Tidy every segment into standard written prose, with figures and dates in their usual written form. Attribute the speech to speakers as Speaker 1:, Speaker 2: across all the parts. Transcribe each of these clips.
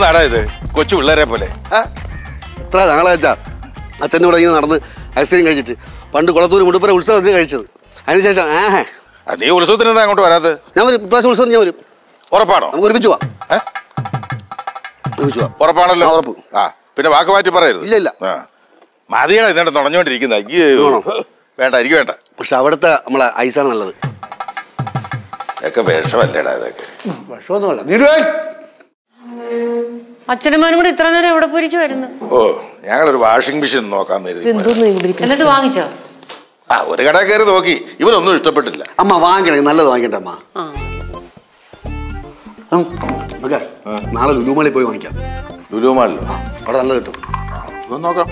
Speaker 1: നാടാ ഇത്? കൊച്ചു പിള്ളേരെ പോലെ.
Speaker 2: എത്ര നാളാച്ചാ അച്ഛൻ്റെ കൂടെ ഇങ്ങനെ നടന്ന് ഐസ്ക്രീം കഴിച്ചിട്ട്. പണ്ട് കുളത്തൂർ മുടുപ്പുര ഉത്സവത്തിന് കഴിച്ചത്. അതിനുശേഷം
Speaker 1: നീ ഉത്സവത്തിന് എന്താ അങ്ങോട്ട് വരാത്?
Speaker 2: ഞാൻ വരും, ഇപ്രാവശ്യം ഉത്സവം ഞാൻ വരും.
Speaker 1: ഉറപ്പാണോ?
Speaker 2: നമുക്ക് ഒരുമിച്ച് പോവാം.
Speaker 1: ഉറപ്പാണല്ലോ?
Speaker 2: ഉറപ്പ്.
Speaker 1: പിന്നെ വാക്ക് മാറ്റി പറയരുത്.
Speaker 2: ഇല്ല ഇല്ല.
Speaker 1: മതിയാണ് ഇതിനെ തുണഞ്ഞോണ്ടിരിക്കുന്ന. വേണ്ട, എനിക്ക് വേണ്ട.
Speaker 2: പക്ഷെ അവിടുത്തെ നമ്മളെ ഐസാണ് നല്ലത്.
Speaker 1: ഇതൊക്കെ വിഷമല്ലേടാ ഇതൊക്കെ?
Speaker 2: വിഷമൊന്നുമല്ല.
Speaker 3: അച്ഛനമ്മനും കൂടെ ഇത്ര നേരം എവിടെ പോയിരിക്കുമായിരുന്നു?
Speaker 1: ഓ, ഞങ്ങളൊരു വാഷിംഗ് മെഷീൻ നോക്കാന്ന് കരുതി.
Speaker 3: എന്നിട്ട് വാങ്ങിച്ചോ?
Speaker 1: ഒരു കട കയറി നോക്കി, ഇവനൊന്നും ഇഷ്ടപ്പെട്ടില്ല.
Speaker 2: അമ്മ വാങ്ങിക്കണേ, നല്ലത് വാങ്ങിക്കട്ടെ അമ്മ. നാളെ ലുലുമാളിൽ പോയി വാങ്ങിക്കാം.
Speaker 1: ലുലുമാളിലോ?
Speaker 2: അവിടെ നല്ലത് കിട്ടും.
Speaker 1: നോക്കാം.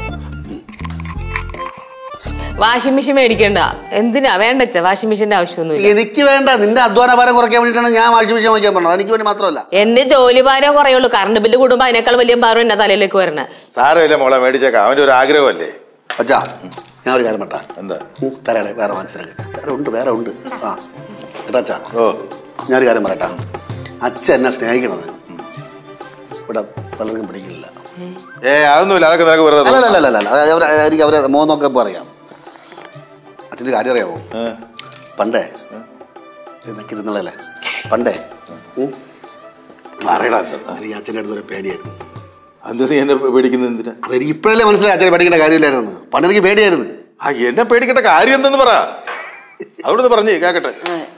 Speaker 4: വാഷിംഗ് മെഷീൻ മേടിക്കണ്ട. എന്തിനാ വേണ്ട? വാഷിംഗ് മെഷീന്റെ ആവശ്യമൊന്നുമില്ല.
Speaker 2: എനിക്ക് വേണ്ട. നിന്റെ അധ്വാന ഭാരം കുറയ്ക്കാൻ വേണ്ടിയിട്ടാണ് ഞാൻ വാഷിംഗ് മെഷീൻ വാങ്ങിക്കാൻ പറഞ്ഞത്. എനിക്ക് വേണ്ടി മാത്രമല്ല.
Speaker 4: എന്റെ ജോലി ഭാരം കുറയുള്ളൂ. കറണ്ട് ബില്ല് കൂടുമ്പോ അതിനേക്കാൾ വലിയ ഭാരം എന്റെ തലയിലേക്ക് വരണേ.
Speaker 1: സാരമില്ല മോളെ, മേടിച്ചേക്കാം. അവന്റെ ഒരു ആഗ്രഹമല്ലേ.
Speaker 2: അച്ഛാ, ഞാൻ ഒരു കാര്യം പറ്റാ.
Speaker 1: എന്താ?
Speaker 2: തരാടേ, വേറെ മനസ്സിലാക്കി. വേറെ ഉണ്ട്. കേട്ടാ, ഞാനൊരു കാര്യം പറയട്ടാ. അച്ഛൻ എന്നെ സ്നേഹിക്കണത് ഇവിടെ പലർക്കും പിടിക്കില്ല.
Speaker 1: അതൊന്നുമില്ല. അതൊക്കെ നിനക്ക് വെറുതെ.
Speaker 2: അല്ല, എനിക്ക് അവരെ മോന്നൊക്കെ പറയാം. അച്ഛൻ്റെ കാര്യം അറിയാമോ? പണ്ടേ ഇതൊക്കെ ഇരുന്നല്ലേ പണ്ടേ പറയടാ, എനിക്ക് അച്ഛൻ്റെ അടുത്തൊരു പേടിയായിരുന്നു.
Speaker 1: അത് നീ എന്നെ പേടിക്കുന്നത് എന്തിനാ?
Speaker 2: അതെനിക്ക് ഇപ്പോഴല്ലേ മനസ്സിലായി അച്ഛനെ പേടിക്കേണ്ട കാര്യമില്ലായിരുന്നു. പണ്ട് എനിക്ക് പേടിയായിരുന്നു.
Speaker 1: എന്നെ പേടിക്കേണ്ട കാര്യം എന്തെന്ന് പറ. അവിടുന്ന് പറഞ്ഞേ കേക്കട്ടെ.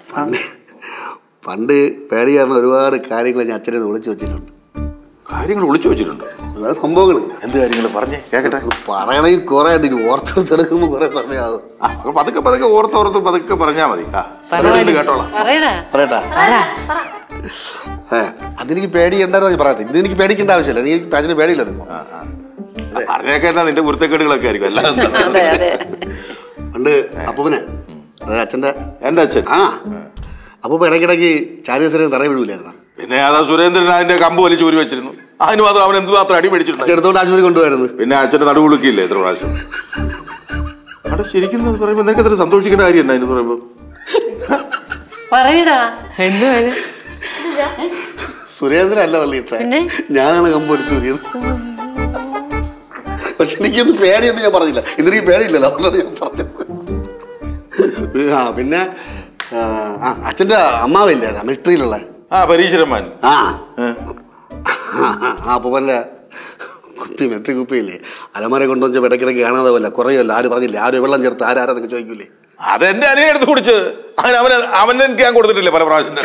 Speaker 2: പണ്ട് പേടി കാരണം ഒരുപാട് കാര്യങ്ങൾ ഞാൻ അച്ഛനെ ഒളിച്ചു വെച്ചിട്ടുണ്ട്.
Speaker 1: കാര്യങ്ങൾ ഒളിച്ചു വെച്ചിട്ടുണ്ട്?
Speaker 2: ഒരുപാട് സംഭവങ്ങൾ.
Speaker 1: എന്ത് കാര്യങ്ങൾ പറഞ്ഞേ കേക്കട്ടെ.
Speaker 2: പറയണെങ്കിൽ കുറെ ഓർത്തെടുക്കുമ്പോൾ കുറെ സമയമാകും.
Speaker 1: പതുക്കെ ഓർത്ത് പതുക്കെ പറഞ്ഞാ മതി. കേട്ടോളാം.
Speaker 2: പറയട്ടാ. അതെനിക്ക് പേടിയുണ്ടായിരുന്നു പറയാത്ത. ഇത് എനിക്ക് പേടിക്കേണ്ട ആവശ്യമില്ല. എനിക്ക് അച്ഛന് പേടിയില്ലായിരുന്നു.
Speaker 1: പറഞ്ഞേക്കാ നിന്റെ കുരുത്തക്കേടുകളൊക്കെ ആയിരിക്കും. അല്ലാതെ
Speaker 2: പണ്ട് അപ്പൂപ്പനെ, അച്ഛൻ്റെ
Speaker 1: എന്റെ അച്ഛൻ
Speaker 2: അപ്പൂപ്പ ഇടയ്ക്കിടയ്ക്ക് ചാരിയസരം തറ വീഴൂലായിരുന്നു.
Speaker 1: പിന്നെ അതാ സുരേന്ദ്രൻ അതിന്റെ കമ്പ് വലിച്ച് ഊരി വെച്ചിരുന്നു. അതിന് മാത്രം അവൻ എന്തുമാത്രം അടി മേടിച്ചിട്ടുണ്ട്.
Speaker 2: ചെറുത്തോണ്ട് ആശുപത്രി കൊണ്ടുപോയിരുന്നു.
Speaker 1: പിന്നെ അച്ഛന്റെ നടുവുളുക്കില്ലേ എത്ര പ്രാവശ്യം. അവിടെ ശരിക്കും പറയുമ്പോ നിനക്ക് എത്ര സന്തോഷിക്കേണ്ട കാര്യമുണ്ട് അതിന് പറയുമ്പോ.
Speaker 3: പറയടാ.
Speaker 2: സുരേന്ദ്രൻ അല്ല തള്ളിയിട്ടേ, ഞാനാണ് കമ്പ് വലിച്ചു ഊരിയത്. പക്ഷെ എനിക്കൊന്നും പേടിയുണ്ട്. ഞാൻ പറഞ്ഞില്ല. ഇന്നെനിക്ക് പേടിയില്ലല്ലോ, അതുകൊണ്ടാണ് ഞാൻ പറഞ്ഞത്. പിന്നെ അച്ഛൻ്റെ അമ്മാവില്ലേ മിലിറ്ററിയിലുള്ള
Speaker 1: പരീശ്വരന്മാൻ.
Speaker 2: അപ്പൂപ്പൻ്റെ കുപ്പി, മെട്രിക് കുപ്പിയില്ലേ, അലമാരെ കൊണ്ടുവന്ന് ഇടയ്ക്കിടയ്ക്ക് കാണാതെ പോലെ കുറയുമല്ല. ആരും പറഞ്ഞില്ലേ, ആരും വെള്ളം ചേർത്ത് ആരാന്നൊക്കെ ചോദിക്കൂലേ.
Speaker 1: അതെന്റെ അനിയൻ എടുത്ത് കുടിച്ചത്. അവനെ എനിക്ക് ഞാൻ കൊടുത്തിട്ടില്ലേ പല പ്രാവശ്യം.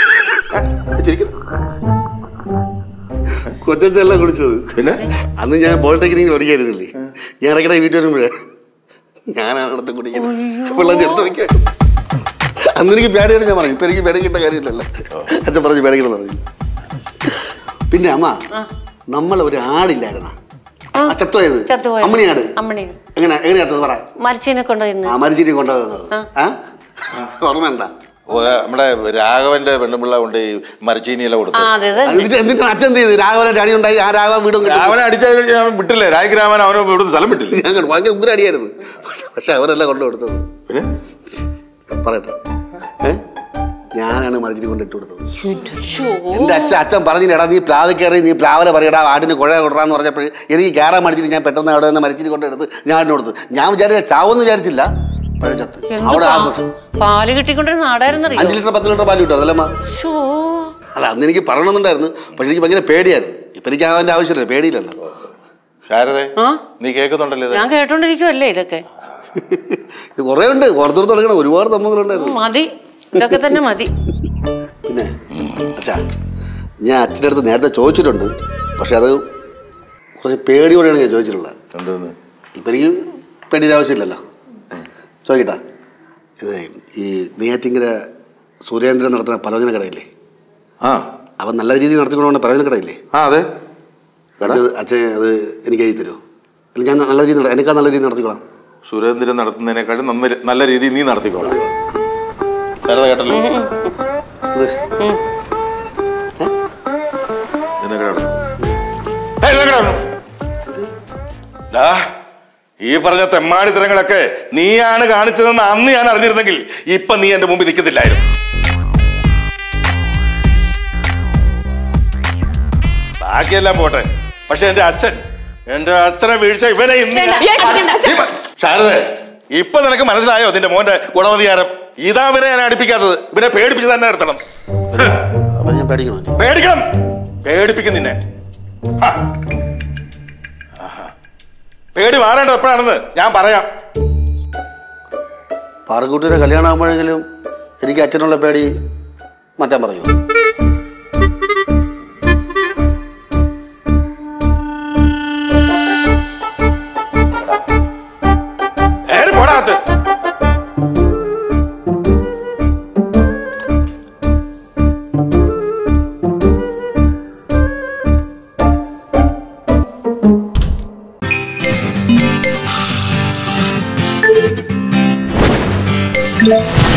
Speaker 2: കൊച്ചെല്ലാം കുടിച്ചത്. പിന്നെ അന്ന് ഞാൻ പോളിടെക്നിക്കിൽ പഠിക്കായിരുന്നില്ലേ, ഞാൻ ഇടയ്ക്കിടയ്ക്ക് വീട്ടിൽ വരുമ്പോഴേ ഞാനാണ് അടുത്ത് കുടിക്കുന്നത്, വെള്ളം ചേർത്ത് വയ്ക്കാൻ. അന്ന് എനിക്ക് പേടിയാണ് ഞാൻ പറഞ്ഞു. ഇപ്പൊ എനിക്ക് പേടിക്കേണ്ട കാര്യമില്ലല്ലോ. അച്ഛൻ പറഞ്ഞു പേടിക്കണം പറഞ്ഞു. പിന്നെ അമ്മ, നമ്മൾ ഒരു ആടില്ലായിരുന്ന ചത്തുപോയത്, അമ്മണിയാട്. എങ്ങനെയാ പറ?
Speaker 3: മരിച്ചിനെ
Speaker 2: കൊണ്ടുപോകുന്നത് ഓർമ്മയുണ്ട?
Speaker 1: നമ്മുടെ രാഘവന്റെ പെണ്ണുപിള്ള കൊണ്ട് ഈ മരച്ചീനിയെല്ലാം കൊടുത്തു.
Speaker 2: എന്നിട്ട് അച്ഛൻ എന്ത് ചെയ്തു? രാഘവനെ അടി ഉണ്ടായി. ആ രാഘവൻ വീടും
Speaker 1: രാഘവനെ അടിച്ച വിട്ടില്ലേ? രാജഗ്രാമൻ അവനെ ഇവിടുന്ന് സ്ഥലം വിട്ടില്ല.
Speaker 2: ഞാൻ ഭയങ്കര ഉഗ്ര അടിയായിരുന്നു. പക്ഷെ അവരെല്ലാം കൊണ്ടു കൊടുത്തത്. പിന്നെ പറയട്ടെ, ഞാനാണ് മരച്ചിരി കൊണ്ട് ഇട്ട് കൊടുത്തത്. എന്റെ അച്ഛൻ പറഞ്ഞില്ലടാ, നീ പ്ലാവ് കയറി നീ പ്ലാവല പറയടാ ആടിന് കുഴ കൊടുറാന്ന് പറഞ്ഞപ്പോൾ എനിക്ക് കയറാൻ മടിച്ചിട്ട് ഞാൻ പെട്ടെന്ന് അവിടെ നിന്ന് മരച്ചിരി കൊണ്ടെടുത്ത് ഞാൻ കൊടുത്തു. ഞാൻ വിചാരിച്ച ചാവെന്ന് വിചാരിച്ചില്ല. അവിടെ
Speaker 3: പാല് കിട്ടിക്കൊണ്ടിരുന്ന നാടായിരുന്നു.
Speaker 2: 5 ലിറ്റർ 10 ലിറ്റർ പാല് കിട്ടും. അതല്ലമ്മ. അല്ല, അന്ന് എനിക്ക് പറയണമെന്നുണ്ടായിരുന്നു. പക്ഷെ എനിക്ക് ഭയങ്കര പേടിയായിരുന്നു. ഇപ്പൊ എനിക്ക് അവന്റെ ആവശ്യമില്ല, പേടിയില്ലല്ലോ.
Speaker 1: ശാരദേ, നീ കേൾക്കുന്നുണ്ടല്ലോ?
Speaker 3: ഞാൻ കേട്ടോണ്ടിരിക്കുവല്ലേ. ഇതൊക്കെ
Speaker 2: കുറെ ഉണ്ട്, ഓർത്തോർത്ത് തുടങ്ങണം. ഒരുപാട് സംഭവങ്ങളുണ്ടായിരുന്നു.
Speaker 3: മതി, ഇതൊക്കെ തന്നെ മതി.
Speaker 2: പിന്നെ അച്ഛാ, ഞാൻ അച്ഛൻ്റെ അടുത്ത് നേരത്തെ ചോദിച്ചിട്ടുണ്ട്. പക്ഷെ അത് കുറച്ച് പേടിയോടെയാണ് ഞാൻ ചോദിച്ചിട്ടുള്ളത്.
Speaker 1: എന്തോന്ന്?
Speaker 2: ഇപ്പം എനിക്ക് പേടിയുടെ ആവശ്യമില്ലല്ലോ. ചോദിക്കട്ടാ, ഇത് ഈ നെയ്യാറ്റിങ്കര സുരേന്ദ്രൻ നടത്തുന്ന പലവ്യഞ്ജന കടയില്ലേ, അവൻ നല്ല രീതിയിൽ നടത്തിക്കൊണ്ടുപോകുന്ന പലവ്യഞ്ജന കടയില്ലേ?
Speaker 1: അതെ.
Speaker 2: അച്ഛൻ അത് എനിക്ക് എഴുതി തരുമോ? അല്ലെങ്കിൽ ഞാൻ നല്ല രീതിയിൽ എനിക്കാ നല്ല രീതിയിൽ നടത്തിക്കോളാം.
Speaker 1: സുരേന്ദ്രൻ നടത്തുന്നതിനേക്കാളും നല്ല രീതിയിൽ നീ നടത്തിക്കോളാം. കേട്ടല്ലോ? ഈ പറഞ്ഞ തെമ്മാടിത്തരങ്ങളൊക്കെ നീയാണ് കാണിച്ചതെന്ന് അന്ന് ഞാൻ അറിഞ്ഞിരുന്നെങ്കിൽ ഇപ്പൊ നീ എന്റെ മുമ്പിൽ നിൽക്കത്തില്ലായിരുന്നു. ബാക്കിയെല്ലാം പോട്ടെ, പക്ഷെ എന്റെ അച്ഛനെ വീഴ്ച ഇവനെ ശാരദേ, ഇപ്പൊ നിനക്ക് മനസ്സിലായോ നിന്റെ മോന്റെ ഗുണവധികാരം? ഇതാ ഇവനെ ഞാൻ അടുപ്പിക്കാത്തത്. ഇവനെ പേടിപ്പിച്ച് തന്നെ നിർത്തണം. പേടിക്കണം, പേടിപ്പിക്കും നിന്നെ. പേടി മാറേണ്ടത് എപ്പോഴാണെന്ന് ഞാൻ പറയാം.
Speaker 2: പാറക്കുട്ടിയുടെ കല്യാണം ആകുമ്പോഴെങ്കിലും എനിക്ക് അച്ഛനുള്ള പേടി മാറ്റാൻ പറയൂ.
Speaker 1: പോടാത്ത്
Speaker 5: Yeah.